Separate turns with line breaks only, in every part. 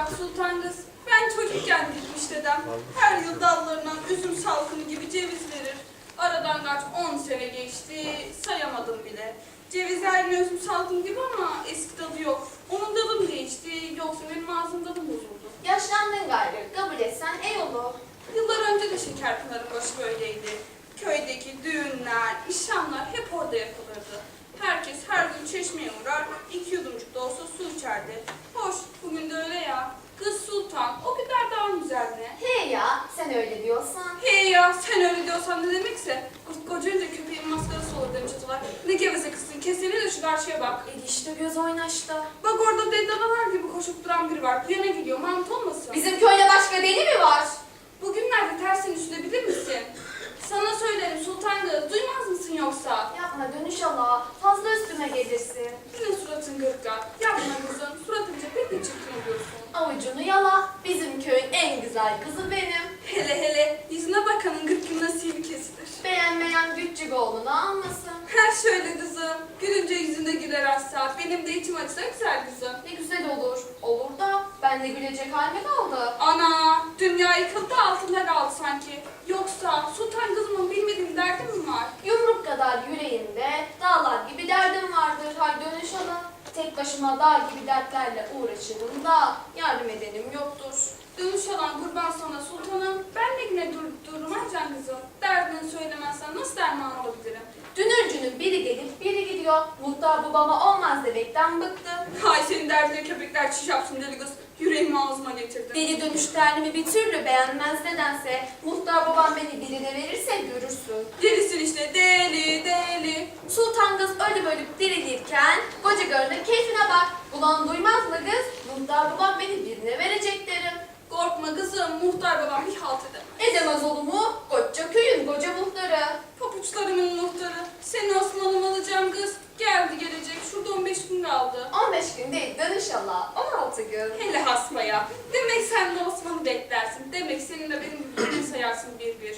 bak Sultan kız, ben çocukken dikmiş dedem. Her yıl dallarından üzüm salkımı gibi ceviz verir. Aradan kaç 10 sene geçti, sayamadım bile. Ceviz her gün üzüm salkım gibi ama eski tadı yok. Onun tadı mı değişti, yoksa benim ağzım tadı mı bozuldu?
Yaşlandın gayrı, kabul etsen ey olur.
Yıllar önce de Şekerpınar'ın başı böyleydi. Köydeki düğünler, nişanlar hep orada yapılırdı. Herkes her gün çeşmeye uğrar, 2 yudumcuk da olsa su içerdi. Hoş, bugün de öyle ya. Kız Sultan, o kadar daha güzel ne?
He ya, sen öyle diyorsan.
Hey ya, sen öyle diyorsan ne demekse? Kocanca köpeğin maskarası olur demiş atalar. Ne geveze kızsın, kesene de şu karşıya bak.
İşte göz oynaşta.
Bak orada deddanalar gibi koşup duran biri var. Bu yana gidiyor, mant olmasın?
Bizim köyde başka deli mi var?
Bugünlerde tersini düşünebilir misin? Sana söylerim Sultan kız, duymaz mısın yoksa?
Yapma dönüş ala, fazla üstüme gelirsin.
Yine suratın gırtka. Yapma kızım, suratınca pek de çirkin oluyorsun.
Avucunu yala, bizim köyün en güzel kızı benim.
Hele hele, yüzüne bakanın gırkın nasibi kesilir.
Beğenmeyen küçük oğlunu almasın.
Her şöyle kızım, gülünce yüzüne güler asla. Benim de içim açsa güzel kızım.
Ne güzel olur. Olur da ben de gülecek halime kaldı.
Ana, dünya yıkıldı altında kaldı sanki. Yoksa Sultan kızımın bilmediğim derdi mi var?
Yumruk kadar yüreğimde dağlar gibi derdim vardır. Hay dönüş ala. Tek başıma dağ gibi dertlerle uğraşırım da yardım edenim yoktur.
Dönüş alan kurban sana sultanım. Ben de yine durmam can kızım. Derdini söylemezsen nasıl derman olabilirim?
Dünürcünün biri gelip biri gidiyor. Muhtar babama olmaz demekten bıktım.
Hay senin derdine köpekler çiş yapsın deli kız. Yüreğimi ağzıma getirdin.
Deli dönüş derdimi bir türlü beğenmez nedense. Muhtar babam beni birine verirse görürsün.
Delisin işte deli deli.
Sultan kız ölüp ölüp dirilirken koca karının keyfine bak. Ulan duymaz mı kız? Muhtar babam beni birine verecek derim.
Korkma kızım, muhtar babam bir halt edemez.
Edemez olur mu? Koca köyün koca muhtarı.
Papuçlarımın muhtarı. Seni Osman'ım alacağım kız. Geldi gelecek. Şurada 15 gün kaldı.
15 gün değil inşallah 16 gün.
Hele hasmaya. Demek sen de Osman'ı beklersin. Demek senin de benim gibi sayarsın bir bir.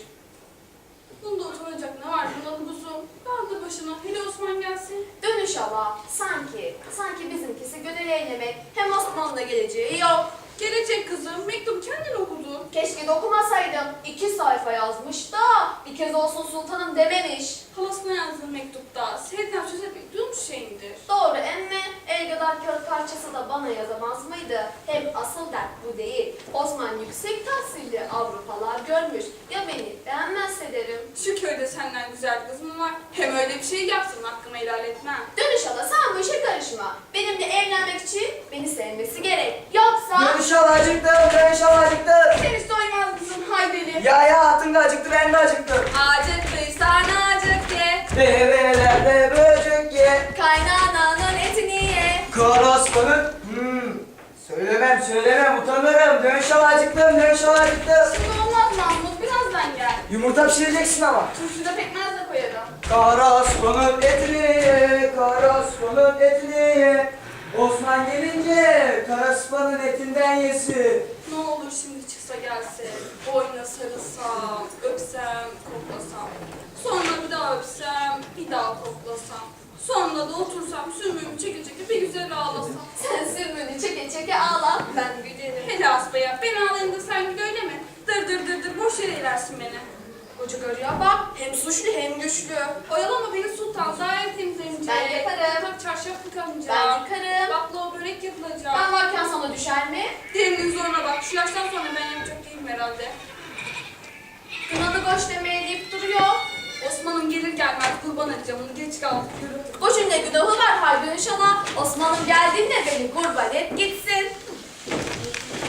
Bunda utanacak ne var bunun kuzum? Kaldı başına. Hele Osman gelsin.
Dönüş ala sanki bizimkisi gönül eylemek hem Osmanlı'da geleceği yok.
Gelecek kızım. Mektup kendin okudu.
Keşke de okumasaydım. 2 sayfa yazmış da bir kez olsun sultanım dememiş.
Halasına yazdığı mektupta sevden söz etmek duymuş şeyindir.
Doğru emme el kadar kağıt parçası da bana yazamaz mıydı? Hem asıl dert bu değil. Osman yüksek tahsilli Avrupalar görmüş. Ya beni beğenmezse derim.
Şu köyde senden güzel kız mı var? Hem öyle bir şey yapsın hakkımı helal etmem.
Dönüş ala sen bu işe karışma. Benimle evlenmek için beni sevmesi gerek. Yoksa...
Dönüş alacıktım, dönüş alacıktım.
Sen hiç doymaz kızım hay deli.
Ya hatun da acıktı, ben de acıktım.
Acıktıysan acık ye.
Develerde böcek ye.
Kaynananın etini ye.
Korospanın. Söylemem, utanırım. Dönüş alacıktım, dönüş alacıktım.
Şimdi olmaz Mahmut birazdan gel.
Yumurta pişireceksin ama.
Turşuda pekmez de koyarım.
Korospanın etini ye, korospanın etini ye. Osman gelince karaspanın etinden yesin.
Ne olur şimdi çıksa gelse. Boynuna sarılsam, öpsem, koklasam. Sonra bir daha öpsem, bir daha koklasam. Sonra da otursam sümüğümü çeke çeke bir güzel ağlasam.
Sen sürmünü çeke çeke ağla. Ben gülerim.
Hele asbaya ben ağlayayım da sen gül öyle mi? Dır boş yere ilersin beni.
Koca karıya bak. Hem suçlu hem güçlü.
Oyalama beni sultan, daire temizlenecek.
Ben yaparım.
Bak çarşaf yıkanacak.
Ben yıkarım.
Baklava börek yapılacak.
Ben varken sana düşer mi?
Derinin zoruna bak. Şu yaştan sonra ben yapacak değilim herhalde.
Kınalı boş demeye deyip duruyor.
Osman'ım gelir gelmez kurban edeceğim onu. Geç kaldık. Yürü.
Boşun ne günahı var halbuki inşallah. Osman'ım geldiğinde beni kurban et gitsin.